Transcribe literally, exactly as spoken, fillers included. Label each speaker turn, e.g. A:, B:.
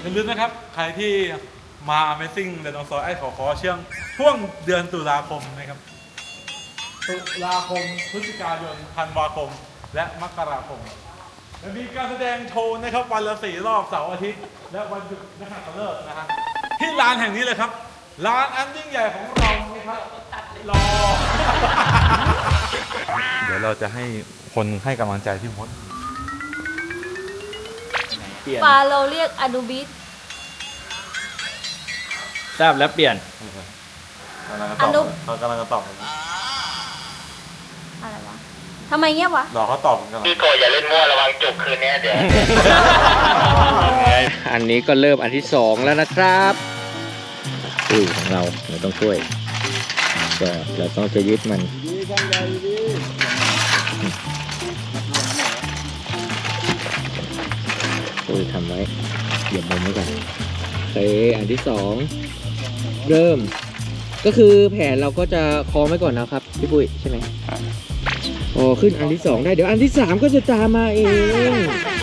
A: อย่าลืมนะครับใครที่มา Amazing เดนองซอยไอ้ขอขอเชื่องช่วงเดือนตุลาคมนะครับตุลาคมพฤศจิกายนธันวาคมและมกราคมจะมีการแสดงโชว์นะครับวันละสี่รอบเสาร์อาทิตย์และวันหยุดนักขัตฤกษ์นะฮะที่ร้านแห่งนี้เลยครับร้านอันยิ่งใหญ่ของเรานะครับรอ เดี๋ยวเราจะให้คนให้กำลังใจพี่มด
B: ฟาโลเรียกอนูบิส
C: ทราบแล้วเปลี่ยน
A: อนุเขากำลังจะตอบ
B: อะไรวะทำไมเงียบวะ
A: รอเขาตอบกัน
D: พี่โกอย่าเล่นมั่วระวังจุกคืนนี้เดี๋ยว
C: อันนี้ก็เริ่มอันที่สองแล้วนะครับอุ้ยของเราเราต้องช่วยก็เราต้องจะยึดมันอุ้ยทำไว้เหยียบมุมไว้ก่อนโอเคอันที่สองเริ่มก็คือแผนเราก็จะคล้องไว้ก่อนนะครับพี่ปุ้ยใช่ไหมอ๋อขึ้นอันที่สองได้เดี๋ยวอันที่สามก็จะตามมาเอง